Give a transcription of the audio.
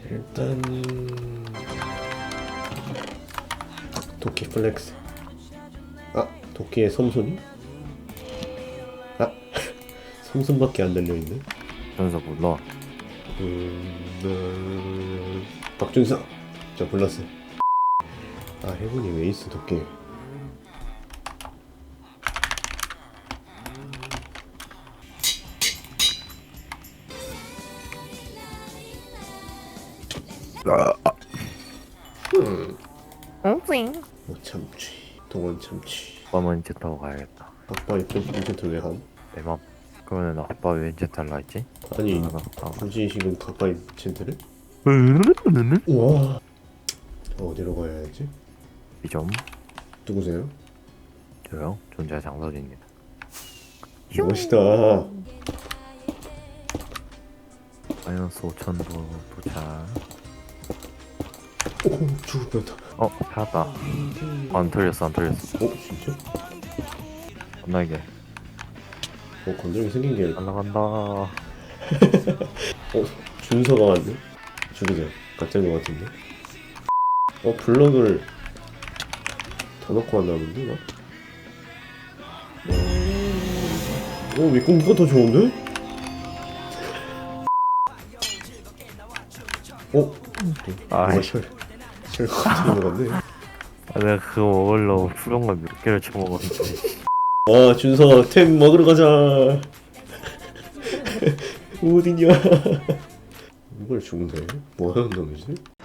일단 도끼 플렉스. 아, 도끼의 섬손이? 아, 섬손밖에 안 달려있네. 전서 불러. 박준성! 저 불렀어요. 아, 해군이 왜 있어, 도끼. 뭐 참치, 동원 참치. 아빠만 이제 타고 가야겠다. 아빠 이벤트 왜 함? 내 맘. 그러면 아빠 왜 이제 탈라 했지? 아니, 아. 굳이 지금 가까이 젠트를? 우와. 어디로 가야 하지? 이점 누구세요? 저요? 존재 장설입니다. 멋있다. 마이너스 5,000도 도착. 오, 죽을 뻔했다. 찾았다. 안 털렸어, 안 털렸어. 진짜? 건나게 건드림이 생긴 게. 날라간다. 준서가 왔네? 죽이자. 가짜인 것 같은데? 블럭을 더 넣고 왔나 본데, 나? 윗공기가 더 좋은데? 아이. 쉘 같은 거 같네. 내가 그거 먹으려고 푸른 걸 몇 개를 쳐먹었는데. 준서 템 먹으러 가자. 어디냐? 이걸 죽네? 뭐 하는 놈이지?